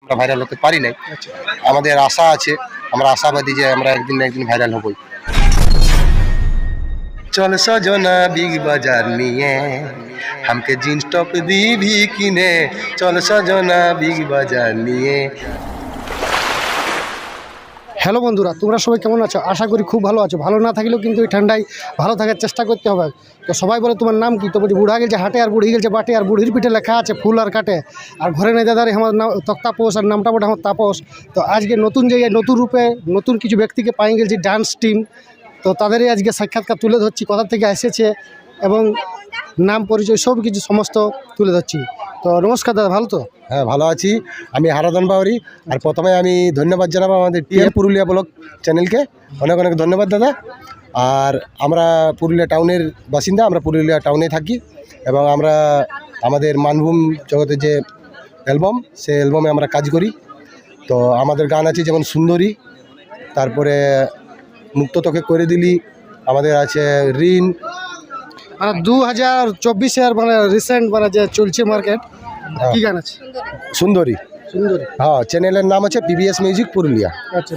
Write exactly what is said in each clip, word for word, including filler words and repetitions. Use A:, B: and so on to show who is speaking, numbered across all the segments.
A: আমরা ভাইরাল হতে পারি নাই। আমাদের আশা আছে, আমরা আশাবাদী যে আমরা একদিন না একদিন ভাইরাল হবই। চল সজনা বিগ বাজার নিয়ে हमके जींस टॉप दी भी किने, चल सजना बिग बाजार নিয়ে।
B: হ্যালো বন্ধুরা, তোমরা সবাই কেমন আছো? আশা করি খুব ভালো আছো। ভালো না থাকলেও কিন্তু এই ঠান্ডায় ভালো থাকার চেষ্টা করতে হবে। তো সবাই বলে তোমার নাম কি? তো বলছি বুড়া গেছে হাটে আর বুড়ি গেছে বাটে, আর বুড়ির পিঠে লেখা আছে ফুল আর কাটে, আর ঘরে নেই দাদারে আমার নাম তক্তাপোষ, আর নামটা বটে আমার তাপস। তো আজকে নতুন জায়গায় নতুন রূপে নতুন কিছু ব্যক্তিকে পাই গেছি, ডান্স টিম। তো তাদেরই আজকে সাক্ষাৎকার তুলে ধরছি, কোথা থেকে এসেছে এবং নাম পরিচয় সব কিছু সমস্ত তুলে ধরছি। তো নমস্কার দাদা, ভালো তো?
A: হ্যাঁ ভালো আছি, আমি হারাধন বাউরি। আর প্রথমে আমি ধন্যবাদ জানাবো আমাদের টিএম পুরুলিয়া ব্লগ চ্যানেলকে, অনেক অনেক ধন্যবাদ দাদা। আর আমরা পুরুলিয়া টাউনের বাসিন্দা, আমরা পুরুলিয়া টাউনে থাকি এবং আমরা আমাদের মানভূম জগতের যে অ্যালবাম, সেই অ্যালবামে আমরা কাজ করি। তো আমাদের গান আছে যেমন সুন্দরী, তারপরে মুক্ত তোকে করে দিলি, আমাদের আছে ঋণ।
B: মানে দু হাজার চব্বিশের মানে রিসেন্ট মানে যে চলছে মার্কেট, কি গান আছে?
A: সুন্দরী।
B: সুন্দরী,
A: হ্যাঁ, চ্যানেলের নাম হচ্ছে পিবিএস মিউজিক পুরুলিয়া।
B: আচ্ছা,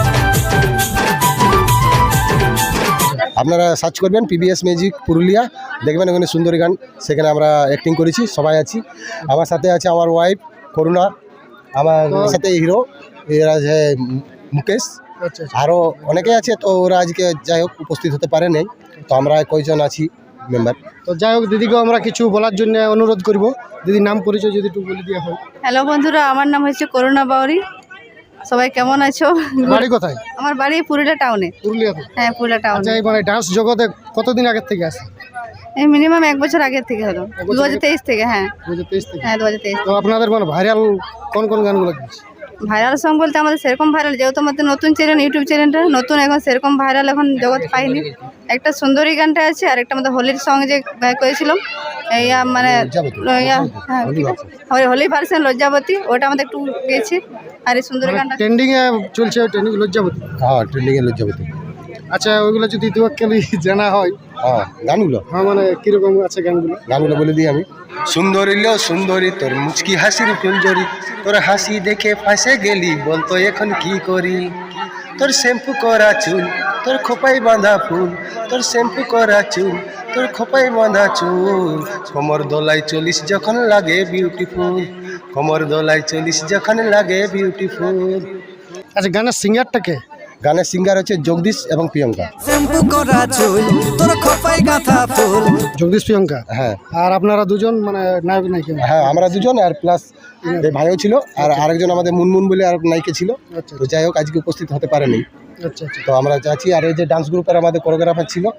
A: আপনারা সার্চ করবেন পিবিএস মিউজিক পুরুলিয়া, দেখবেন ওখানে সুন্দরী গান, সেখানে আমরা অ্যাক্টিং করেছি, সবাই আছি। আমার সাথে আছে আমার ওয়াইফ করুণা, আমার সাথে হিরো এরা আছে মুকেশ,
B: আচ্ছা,
A: আরও অনেকে আছে। তো ওরা আজকে যাই হোক উপস্থিত হতে পারে নাই, তো আমরা কয়েকজন আছি মেম্বার।
B: তো যাই হোক, দিদিকেও আমরা কিছু বলার জন্য অনুরোধ করব। দিদি নাম পরিচয় যদি একটু বলে দেওয়া হয়।
C: হ্যালো বন্ধুরা, আমার নাম হচ্ছে করুণা বাউরি। সবাই কেমন আছো?
B: বাড়ি কোথায়?
C: আমার বাড়ি পুরুলিয়া টাউনে।
B: পুরুলিয়াতে?
C: হ্যাঁ, পুরুলিয়া টাউনে।
B: আচ্ছা, এই মানে ডান্স জগতে কতদিন আগের থেকে আছে?
C: এই মিনিমাম এক বছর আগের থেকে হলো, দু হাজার তেইশ থেকে। হ্যাঁ
B: দু হাজার তেইশ থেকে?
C: হ্যাঁ দু হাজার তেইশ।
B: তো আপনাদের মানে ভাইরাল কোন কোন গানগুলো গেছে?
C: ভাইরাল সং বলতে আমাদের সেরকম ভাইরাল, যেহেতু আমাদের নতুন চ্যানেল, ইউটিউব চ্যানেলটা নতুন, এখন সেরকম ভাইরাল এখন জগৎ পাইনি। একটা সুন্দরী গানটা আছে, আর একটা আমাদের হোলির সং যে করেছিলাম, ইয়া মানে ইয়া হ্যাঁ হোলি ভার্সন লজ্জাবতী, ওটা আমাদের একটু গেছে। আর এই সুন্দরী গানটা
B: ট্রেন্ডিং এ চলছে, ট্রেন্ডিং লজ্জাবতী।
A: হ্যাঁ, ট্রেন্ডিংয়ে লজ্জাবতী।
B: আচ্ছা, ওইগুলো যদি দু একখানি জানা হয়।
A: হ্যাঁ, গানগুলো
B: হ্যাঁ, মানে কিরকম আছে গানগুলো?
A: গানগুলো বলে দিই আমি। সুন্দরী লো সুন্দরী, তোর মুচকি হাসির ফুলঝরি, তোর হাসি দেখে ফাঁসে গেলি, বলতো এখন কি করি। তোর শ্যাম্পু করা চুল, তোর খোপাই বাঁধা ফুল, তোর শ্যাম্পু করা চুল, তোর খোপাই বাঁধা চুল, কোমর দোলাই চলিস যখন লাগে বিউটিফুল, কোমর দোলাই চলিস যখন লাগে বিউটিফুল।
B: আচ্ছা, গানের সিঙ্গারটাকে?
A: গানের সিঙ্গার হচ্ছে জগদীশ এবং প্রিয়ঙ্কা।
D: শ্যাম্পু করা চুল, তোর খোপায় গাঁথা ফুল।
B: জগদীশ প্রিয়ঙ্কা?
A: হ্যাঁ।
B: আর আপনারা দুজন মানে নায়ক নায়িকা?
A: হ্যাঁ, আমরা দুজন, আর প্লাস এই ভাইও ছিল, আর আরেকজন আমাদের মুনমুন বলে আর নায়িকা ছিল।
B: আচ্ছা,
A: তো যাই হোক আজকে উপস্থিত হতে পারেনি।
B: আচ্ছা, আচ্ছা।
A: তো আমরা যাচ্ছি। আর এই যে ডান্স গ্রুপের আমাদের কোরিওগ্রাফার ছিল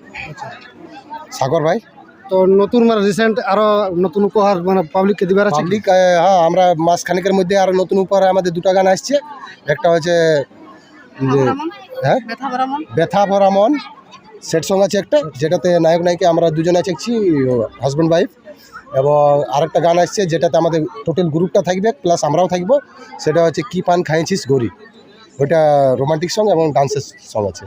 A: সাগর ভাই।
B: তো নতুন মানে রিসেন্ট আরো নতুন উপহার মানে পাবলিককে দিবার আছে?
A: পাবলিক, হ্যাঁ, আমরা মাস খানিকের মধ্যে আরো নতুন উপহার আমাদের দুটো গান আসছে। একটা হচ্ছে যে হ্যাঁ ব্যথা ভরা মন, সেট সং আছে একটা, যেটাতে নায়ক নায়িকা আমরা দুজন আছি, হাজব্যান্ড ওয়াইফ। এবং আরেকটা গান আসছে যেটাতে আমাদের টোটাল গ্রুপটা থাকবে, প্লাস আমরাও থাকবো, সেটা হচ্ছে কি পান খাইছিস গরি। ওইটা রোমান্টিক সং এবং ডান্সের সং আছে।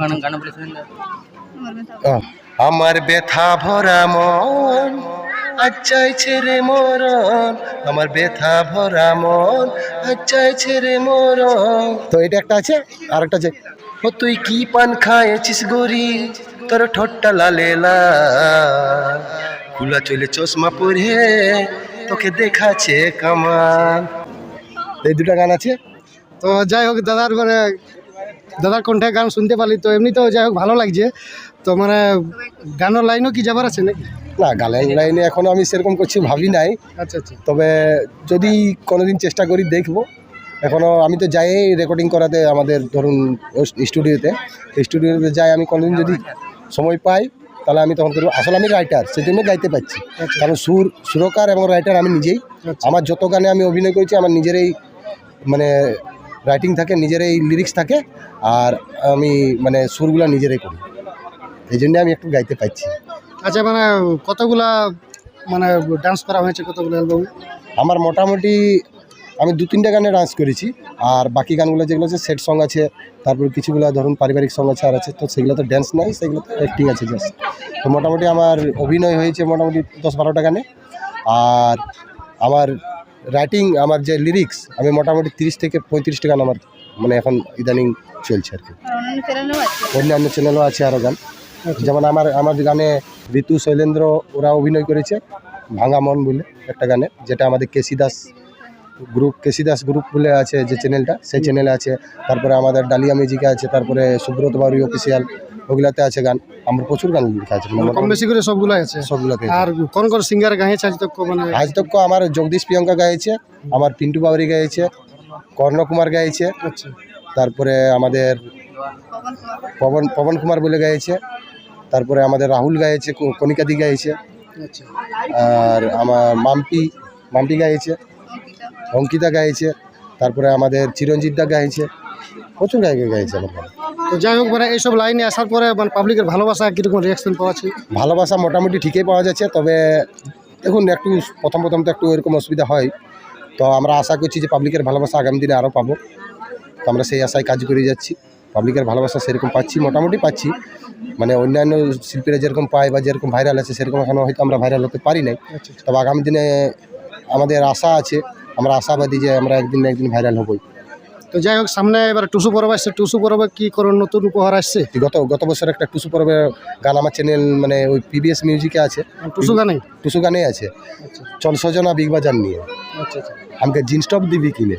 A: আমার ব্যথা ভরা মন আজ চাইছে রে মরণ, আমার ব্যথা ভরা মন আজ চাইছে রে মরণ। তো এটা একটা আছে। আর একটা আছে ও তুই কি পান খাইছিস গরি, তোর ঠোঁটটা লালে লাল, খুলা চলে চশমা পরে তোকে দেখাচ্ছে কামান। এই দুটা গান আছে।
B: তো যাই হোক, দাদার মানে দাদার কণ্ঠে গান শুনতে পারলি, তো এমনিতেও যাই হোক ভালো লাগছে। তো মানে গানের লাইনও কি যাবার আছে নাকি?
A: না, গানের লাইনে এখনও আমি সেরকম কিছু ভাবি নাই।
B: আচ্ছা, আচ্ছা।
A: তবে যদি কোনোদিন চেষ্টা করি দেখবো। এখনও আমি তো যাই রেকর্ডিং করাতে আমাদের ধরুন স্টুডিওতে, স্টুডিওতে যাই আমি। কোনোদিন যদি সময় পাই তাহলে আমি তখন করবো। আসলে আমি রাইটার, সেই জন্য গাইতে পারছি, কারণ সুর সুরকার এবং রাইটার আমি নিজেই। আমার যত গানে আমি অভিনয় করেছি আমার নিজেরই মানে রাইটিং থাকে, নিজেরই লিরিক্স থাকে, আর আমি মানে সুরগুলো নিজেরাই করি, এই জন্য আমি একটু গাইতে পারছি।
B: আচ্ছা, মানে কতগুলা মানে ডান্স করা হয়েছে কতগুলো অ্যালবামে?
A: আমার মোটামুটি আমি দু তিনটা গানে ডান্স করেছি, আর বাকি গানগুলো যেগুলো আছে সেট সং আছে, তারপর কিছুগুলো ধরুন পারিবারিক সং আছে আর আছে, তো সেগুলো তো ড্যান্স নাই, সেগুলো তো অ্যাক্টিং আছে জাস্ট। তো মোটামুটি আমার অভিনয় হয়েছে মোটামুটি দশ বারোটা গানে। আর আমার রাইটিং আমার যে লিরিক্স আমি মোটামুটি তিরিশ থেকে পঁয়ত্রিশটা গান আমার মানে এখন ইদানিং চলছে আর কি।
C: আর অন্যান্য চ্যানেলও আছে।
A: অন্যান্য চ্যানেলও আছে আরও গান, যেমন আমার আমার গানে ঋতু শৈলেন্দ্র ওরা অভিনয় করেছে ভাঙা মন বলে একটা গানে, যেটা আমাদের KC Das group KC Das group বলে আছে যে চ্যানেলটা, সেই চ্যানেলে আছে। তারপরে আমাদের ডালিয়া মিউজিকে আছে, তারপরে সুব্রত বাউরি অফিসিয়াল ওগুলাতে আছে গান। আমার প্রচুর গান লেখা আছে,
B: মানে কম বেশি করে সবগুলো আছে।
A: সবগুলোতে।
B: আর কোন কোন সিঙ্গার গাইছে আজ তক মানে?
A: আজ তক আমার জগদীশ প্রিয়ঙ্কা গাইছে, আমার পিন্টু বাউরি গাইছে, কর্ণ কুমার গাইছে,
B: আচ্ছা
A: তারপরে আমাদের
C: পবন কুমার,
A: পবন পবন কুমার বলে গাইছে, তারপরে আমাদের রাহুল গাইছে, ক- কণিকাদি গাইছে,
B: আচ্ছা
A: আর আমার মাম্পি মাম্পি গাইছে,
C: অঙ্কিতা।
A: অঙ্কিতা গাইছে, তারপরে আমাদের চিরঞ্জিত দা গাইছে, প্রচুর গায়ক গাইছে আমার গান।
B: তো যাই হোক মানে এইসব লাইনে আসার পরে মানে পাবলিকের ভালোবাসা কীরকম রিয়াকশন পাওয়াছে?
A: ভালোবাসা মোটামুটি ঠিকই পাওয়া যাচ্ছে, তবে দেখুন একটু প্রথম প্রথম তো একটু এরকম অসুবিধা হয়, তো আমরা আশা করছি যে পাবলিকের ভালোবাসা আগামী দিনে আরও পাবো, তো আমরা সেই আশায় কাজ করে যাচ্ছি। পাবলিকের ভালোবাসা সেরকম পাচ্ছি, মোটামুটি পাচ্ছি, মানে অন্যান্য শিল্পীরা যেরকম পায় বা যেরকম ভাইরাল আছে সেরকম এখনও হয়তো আমরা ভাইরাল হতে পারি নাই,
B: আচ্ছা আচ্ছা।
A: তবে আগামী দিনে আমাদের আশা আছে, আমরা আশাবাদী যে আমরা একদিন না একদিন ভাইরাল হবই।
B: তো যাই হোক সামনে এবার টুসু পরব আসছে, টুসু পরবে কি কোনো নতুন উপহার আসছে?
A: গত গত বছর একটা টুসু পর্বের গান আমার চ্যানেল মানে ওই পিবিএস মিউজিকে আছে,
B: টুসু গানে?
A: টুসু গানে আছে,
B: আচ্ছা
A: চল সজনা বিগ বাজার নিয়ে
B: আচ্ছা আচ্ছা।
A: আমাকে জিন্স টপ দিবি কিনে,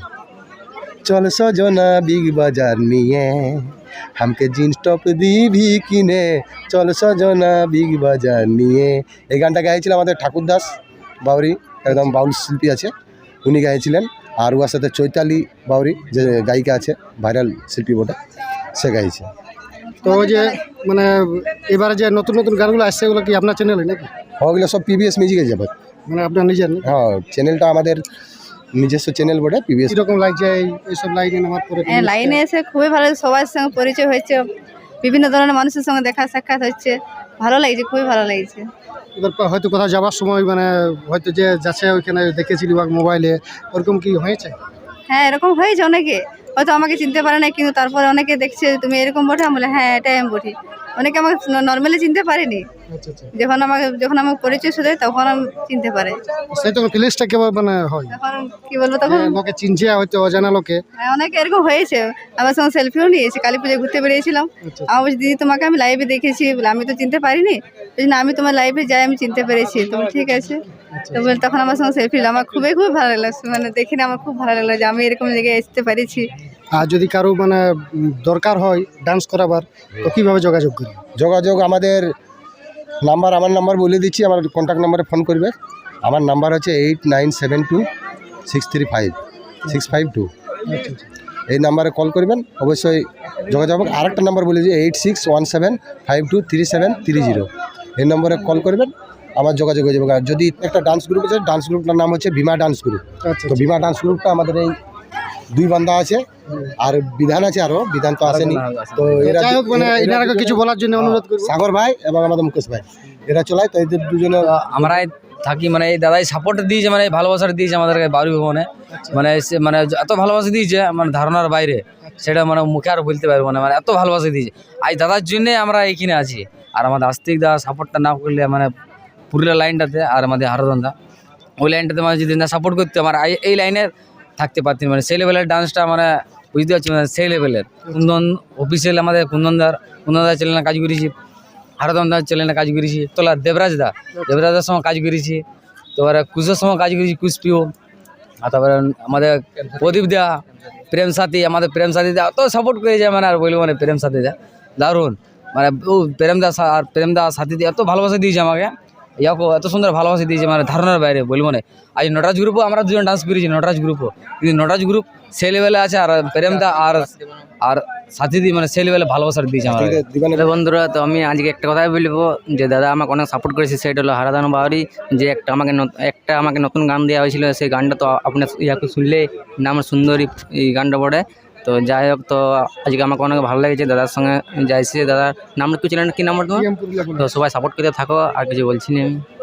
A: চল সজনা বিগ বাজার নিয়ে আমাকে জিন্স টপ দিবি কিনে, চল সজনা বিগ বাজার নিয়ে। এই গানটা গাইছিল আমাদের ঠাকুর দাস বাউরি, একদম বাউল শিল্পী আছে, উনি গাইছিলেন। আর ওর সাথে চৈতালি বাউরি যে গায়িকা আছে, ভাইরাল শিল্পী বটে, সে গাইছে।
B: তো ওই যে মানে এবারে যে নতুন নতুন গানগুলো আসছে এগুলো কি আপনার চ্যানেলে নাকি?
A: ওগুলো সব পিবিএস মিউজিকে যাবে।
B: মানে আপনার নিজের নাকি?
A: হ্যাঁ, চ্যানেলটা আমাদের নিজস্ব চ্যানেল বটে পিবিএস।
B: কীরকম লাগছে এই এইসব লাইনে নামার পরে?
C: হ্যাঁ, লাইনে এসে খুবই ভালো, সবার সঙ্গে পরিচয় হয়েছে, বিভিন্ন ধরনের মানুষের সঙ্গে দেখা সাক্ষাৎ হচ্ছে, ভালো লাগছে, খুবই ভালো লাগছে।
B: এবার পা- হয়তো কোথাও যাওয়ার সময় মানে হয়তো যে যাচ্ছে ওইখানে দেখেছিলি বা মোবাইলে, ওরকম কি হয়েছে?
C: হ্যাঁ, এরকম হয়েছে অনেকে, হয়তো আমাকে চিনতে পারে না, কিন্তু তারপরে অনেকে দেখছে তুমি এরকম বটে, আমি বলে হ্যাঁ এটাই আমি বটি। অনেকে আমাকে নর্মালি চিনতে পারেনি,
B: আচ্ছা আচ্ছা।
C: যখন আমাকে যখন আমাকে পরিচয় শুধু তখন আমি চিনতে পারে।
B: সেই তখন ফিলিংসটা কেবল মানে হয়
C: তখন কি বলবো, তখন
B: যে লোকে চিনছে হয়তো অজানা লোকে।
C: হ্যাঁ, অনেকে এরকম হয়েছে, আমার সঙ্গে সেলফিও নিয়েছে, কালী পুজোয় ঘুরতে বেরিয়েছিলাম,
B: আচ্ছা
C: আমার বলছি দিদি তোমাকে আমি লাইভে দেখেছি, বলে আমি তো চিনতে পারিনি, বলছি না আমি তোমার লাইভে যাই আমি চিনতে পেরেছি। তো বলি, ঠিক আছে। তো বলে তখন আমার সঙ্গে সেলফি নিলাম, আমার খুবই খুবই ভালো লাগলো, মানে দেখি না আমার খুব ভালো লাগলো যে আমি এরকম জায়গায় আসতে পেরেছি।
B: আর যদি কারো মানে উম, দরকার হয় ডান্স করাবার, তো কীভাবে যোগাযোগ করি?
A: যোগাযোগ আমাদের নাম্বার, আমার নাম্বার বলে দিচ্ছি, আমার কন্ট্যাক্ট নাম্বারে ফোন করবে। আমার নাম্বার হচ্ছে eight nine seven two six three five six five two.
B: আচ্ছা আচ্ছা।
A: এই নাম্বারে কল করবেন, অবশ্যই যোগাযোগ হবে। আরেকটা নাম্বার বলে দিচ্ছি eight six one seven five two three seven three zero. এই নম্বরে কল করবেন, আমার যোগাযোগ হয়ে যাবে। আর যদি একটা ডান্স গ্রুপ আছে, ডান্স গ্রুপটার নাম হচ্ছে ভীমা ডান্স গ্রুপ।
B: আচ্ছা
A: তো ভীমা ডান্স গ্রুপটা আমাদের এই দুই বান্দা আছে, আর বিধান আছে, আরও বিধান তো আসেনি। তো এরা
B: যাই হোক মানে
A: এরা
B: এনারাকে
A: দুজনে-
B: কিছু বলার জন্য অনুরোধ করবো।
A: সাগর ভাই এবং আমাদের মুকেশ ভাই, এরা চলায়, তো এদের দুজনে
E: আমরা থাকি মানে এই দাদাই সাপোর্ট দিয়েছে, মানে এই ভালোবাসাটা দিয়েছে আমাদেরকে বাউরি ভবনে, মানে সে- মানে এত ভালোবাসা দিয়েছে মানে ধারণার বাইরে, সেটা মানে মুখে আর বলতে পারবো না, মানে এত ভালোবাসা দিয়েছে। আজ দাদার জন্যে আমরা এইখানে আছি। আর আমাদের আস্তিক দা সাপোর্টটা না করলে মানে পুরুলিয়া লাইনটাতে, আর আমাদের হারদন্দা ওই লাইনটাতে মানে যদি না সাপোর্ট করতে, আমার এই- এই লাইনে থাকতে পারতেন। মানে সেই লেভেলের ডান্সটা মানে বুঝতে পারছি, মানে সেই লেভেলের। কুন্দন অফিসিয়াল আমাদের কুন্দনদার কুন্দনদার চ্যানেলে কাজ করেছি, হারদমদার চ্যানেলে কাজ করেছি, তোলা দেবরাজ দা দেবরাজের সঙ্গে কাজ করেছি, তারপরে কুশের সঙ্গে কাজ করেছি, কুশপিও। আর তারপরে আমাদের প্রদীপ দা, প্রেম সাথী, আমাদের প্রেম সাথী দা অত সাপোর্ট করেছে, মানে আর বলবো মানে প্রেম সাথী দা দারুণ, মানে ও প্রেম দা সা- আর প্রেম দা সাথী দিয়ে এত ভালোবাসা দিয়েছে আমাকে, ইয়াকো এত সুন্দর ভালোবাসা দিয়েছে, মানে ধারণার বাইরে বলবো না। আজ নটরাজ গ্রুপও আমরা দুজন ডান্স করেছি, নটরাজ গ্রুপও, কিন্তু নটরাজ গ্রুপ সেই লেভেলে আছে, আর প্রেম দা আর আর সাথী দি মানে সেই লেভেলে ভালোবাসার দিয়েছে আমাকে।
A: দিবানের
F: হ্যালো বন্ধুরা, তো আমি আজকে একটা কথাই বলবো যে দাদা আমাকে অনেক সাপোর্ট করেছে, সেটা হলো হারাদান বাউরি, যে একটা আমাকে নত- একটা আমাকে নতুন গান দেওয়া হয়েছিল, সেই গানটা তো আপনার ইয়াকে শুনলে নাম সুন্দরী এই গানটা পড়ে। তো যাই হোক, তো আজকে আমাকে অনেক ভালো লেগেছে দাদার সঙ্গে যাইছি। দাদার নাম কি ছিলেন, কি নাম্বার তোমার? তো সবাই সাপোর্ট করতে থাকো, আর কিছু বলছি না আমি।